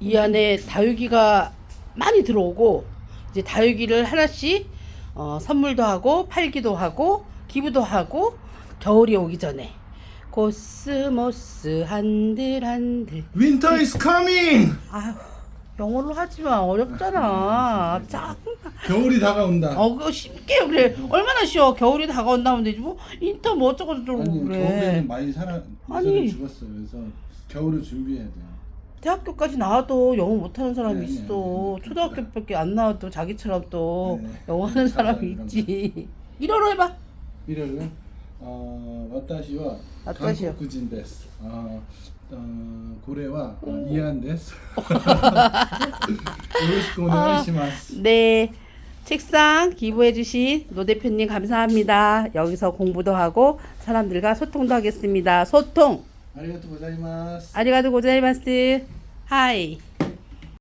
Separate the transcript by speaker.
Speaker 1: 이 안에 다육이가 많이 들어오고 이제 다육이를 하나씩 선물도 하고 팔기도 하고 기부도 하고 겨울이 오기 전에 코스모스 한들한들
Speaker 2: Winter is coming.
Speaker 1: 아휴 영어로 하지마 어렵잖아 참
Speaker 2: 겨울이 다가온다.
Speaker 1: 그거 쉽게 그래 얼마나 쉬워 겨울이 다가온다면 되지 뭐 인터 뭐 어쩌고 저쩌고
Speaker 2: 아니
Speaker 1: 그래
Speaker 2: 겨울에는 많이
Speaker 1: 아니.
Speaker 2: 예전에 죽었어요. 그래서 겨울을 준비해야 돼요.
Speaker 1: 대학교까지 나와도 영어 못하는 사람이
Speaker 2: 네,
Speaker 1: 있어.
Speaker 2: 네, 네.
Speaker 1: 초등학교밖에 안 나와도 자기처럼 또
Speaker 2: 네.
Speaker 1: 영어 하는 사람이
Speaker 2: 이런
Speaker 1: 있지. 일어로 해봐.
Speaker 2: 일요일은 와타시와
Speaker 1: 와타시요.
Speaker 2: 한국인 데스. 고래와 이안 데스. 요로시ku 오네가이시마스.
Speaker 1: 네. 책상 기부해주신 노 대표님 감사합니다. 여기서 공부도 하고 사람들과 소통도 하겠습니다. 소통.
Speaker 2: 아리가또 고자이마스.
Speaker 1: 아리가도 고자이마스. 하이.